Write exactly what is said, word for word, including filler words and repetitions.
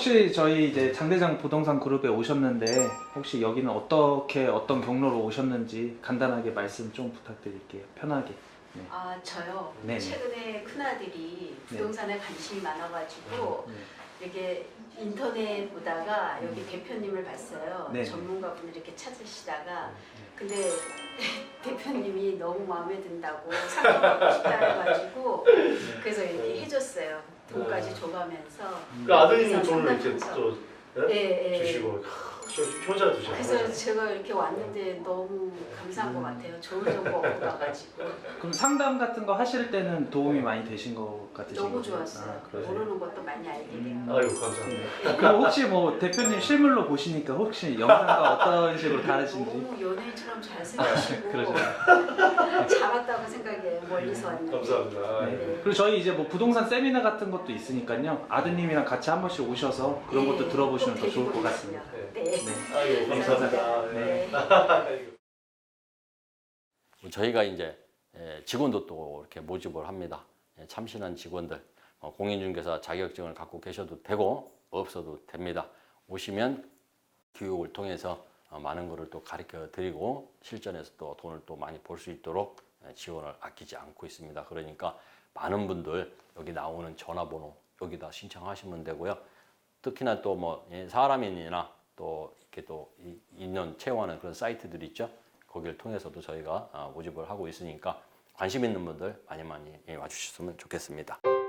혹시 저희 이제 장대장 부동산 그룹에 오셨는데 혹시 여기는 어떻게 어떤 경로로 오셨는지 간단하게 말씀 좀 부탁드릴게요. 편하게. 네. 아 저요. 네네. 최근에 큰아들이 부동산에 관심이 많아가지고 네. 이렇게 인터넷 보다가 여기 음. 대표님을 봤어요. 네네. 전문가분들 이렇게 찾으시다가 근데 대표님이 너무 마음에 든다고 상담하고 싶다 해가지고 그래서 이렇게 해줬어요. 돈까지 줘가면서. 그 아드님은 그래서 돈을 이렇게 상담하면서. 또 예? 예, 예. 주시고 효자 주시고. 그래서 제가 이렇게 왔는데 너무 감사한 것 같아요. 좋은 정보 얻고 가가지고. 그럼 상담 같은 거 하실 때는 도움이 많이 되신 것 같으신가요? 너무 좋았어요. 아, 그러세요? 모르는 것도 많이 알게 되고. 음. 아이고 감사합니다. 그럼 혹시 뭐 대표님 실물로 보시니까 혹시 영상과 어떤 식으로 다르신지? 너무 연예인처럼 잘생기시고 그러시나요? 잘 왔다고 생각해요. 멀리서 왔는데. 감사합니다. 네. 네. 그리고 저희 이제 뭐 부동산 세미나 같은 것도 있으니까요. 아드님이랑 같이 한 번씩 오셔서 그런 것도 네, 들어보시면 꼭 더 좋을 것 데리고 같습니다. 오겠습니다. 네. 네. 네. 아이고 감사합니다. 네. 네. 저희가 이제 직원도 또 이렇게 모집을 합니다. 참신한 직원들, 공인중개사 자격증을 갖고 계셔도 되고 없어도 됩니다. 오시면 교육을 통해서 많은 것을 또 가르쳐 드리고 실전에서 또 돈을 또 많이 벌 수 있도록 지원을 아끼지 않고 있습니다. 그러니까 많은 분들 여기 나오는 전화번호 여기다 신청하시면 되고요. 특히나 또 뭐 사람인이나 또 이렇게 또 인연 채용하는 그런 사이트들 있죠. 거기를 통해서도 저희가 모집을 하고 있으니까 관심 있는 분들 많이 많이 와주셨으면 좋겠습니다.